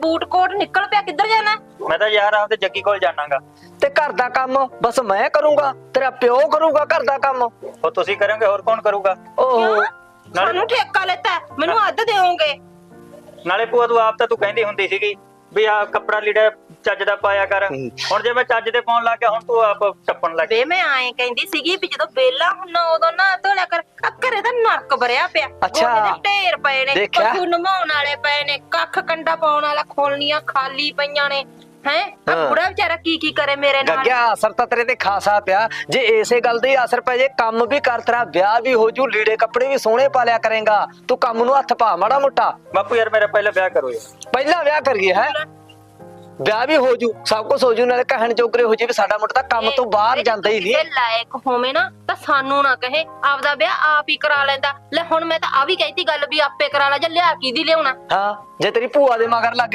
Boot ਕੋਟ ਨਿਕਲ ਪਿਆ, ਕਿੱਧਰ ਜਾਣਾ? ਮੈਂ ਤਾਂ ਯਾਰ ਆਪਦੇ ਜੱਗੀ ਕੋਲ ਜਾਣਾਗਾ। ਤੇ ਘਰ ਦਾ ਕੰਮ ਬਸ ਮੈਂ ਕਰੂੰਗਾ, ਤੇਰਾ ਪਿਓ ਕਰੂਗਾ ਘਰ ਦਾ ਕੰਮ? ਉਹ ਤੁਸੀਂ ਕਰੋਗੇ, ਹੋਰ ਕੌਣ ਕਰੂਗਾ? ਓਹੋ ਸਾਨੂੰ ਠੇਕਾ ਲੈਤਾ, ਮੈਨੂੰ ਅੱਧ ਦੇਵੋਗੇ? ਨਾਲੇ ਭੂਆ ਤੂੰ ਆਪ ਤਾਂ ਤੂੰ ਕਹਿੰਦੀ ਹੁੰਦੀ ਸੀਗੀ ਵੀ ਆ ਕੱਪੜਾ ਲੀੜਾ ਚੱਜ ਦਾ ਪਾਇਆ ਕਰ। ਹੁਣ ਜੇ ਮੈਂ ਚੱਜ ਦੇ ਪਾਉਣ ਲੱਗ ਗਿਆ, ਹੁਣ ਤੂੰ ਆਪ ਟੱਪਣ ਲੱਗ ਵੇ ਮੈਂ ਆਏ ਕਹਿੰਦੀ ਸੀਗੀ ਵੀ ਜਦੋਂ ਬੇਲਾ ਹੁੰਨਾ ਉਦੋਂ ਨਾ ਧੋਲਿਆ ਕਰ। ਘਰੇ ਤਾਂ ਨਰਕ ਭਰਿਆ ਪਿਆ, ਅੱਛਾ। ਗੋਹੇ ਦੇ ਢੇਰ ਪਏ ਨੇ, ਦੇਖਿਆ? ਪਸ਼ੂ ਨਮਾਉਣ ਵਾਲੇ ਪਏ ਨੇ, ਕੱਖ ਕੰਡਾ ਪਾਉਣ ਵਾਲਾ ਖੋਲਣੀਆਂ ਖਾਲੀ ਪਈਆਂ ਨੇ। ਹੈ ਆ ਹਾਂ। ਬੁੜਾ ਵਿਚਾਰਾ ਕੀ ਕਰੇ ਮੇਰੇ ਨਾਲ? ਗੱਗਿਆ ਅਸਰ ਤਾਂ ਤੇਰੇ ਤੇ ਖਾਸਾ ਪਿਆ। ਜੇ ਇਸੇ ਗੱਲ ਦਾ ਹੀ ਅਸਰ ਪੈ ਜੇ, ਕੰਮ ਵੀ ਕਰ, ਤੇਰਾ ਵਿਆਹ ਵੀ ਹੋ ਜੂ, ਲੀੜੇ ਕੱਪੜੇ ਵੀ ਸੋਹਣੇ ਪਾ ਲਿਆ ਕਰੇਗਾ। ਤੂੰ ਕੰਮ ਨੂੰ ਹੱਥ ਪਾ ਮਾੜਾ ਮੋਟਾ। ਬਾਪੂ ਯਾਰ ਮੇਰਾ ਪਹਿਲਾਂ ਵਿਆਹ ਕਰੋ ਯਾਰ। ਪਹਿਲਾਂ ਵਿਆਹ ਕਰੀਏ ਹੈ, ਵਿਆਹ ਵੀ ਹੋ ਜੂ, ਸਭ ਕੁਝ ਹੋ ਜੂ, ਨਾਲੇ ਕਹਿਣ ਜੋਗਰੇ ਹੋ ਜੇ ਵੀ ਸਾਡਾ ਮੁੰਡਾ ਤਾਂ ਕੰਮ ਤੋਂ ਬਾਹਰ ਜਾਂਦਾ ਹੀ ਨਹੀਂ। ਜੇ ਲਾਇਕ ਹੋਵੇ ਨਾ ਤਾਂ ਸਾਨੂੰ ਨਾ ਕਹੇ, ਆਪਦਾ ਵਿਆਹ ਆਪ ਹੀ ਕਰਾ ਲੈਂਦਾ। ਲੈ ਹੁਣ ਮੈਂ ਤਾਂ ਆ ਵੀ ਕਹਿਤੀ ਗੱਲ ਵੀ ਆਪੇ ਕਰਾ ਲੈ, ਜਾਂ ਲਿਆ ਕੀ ਦੀ ਲਿਆਉਣਾ। ਹਾਂ, ਜੇ ਤੇਰੀ ਭੂਆ ਦੇ ਮਗਰ ਲੱਗ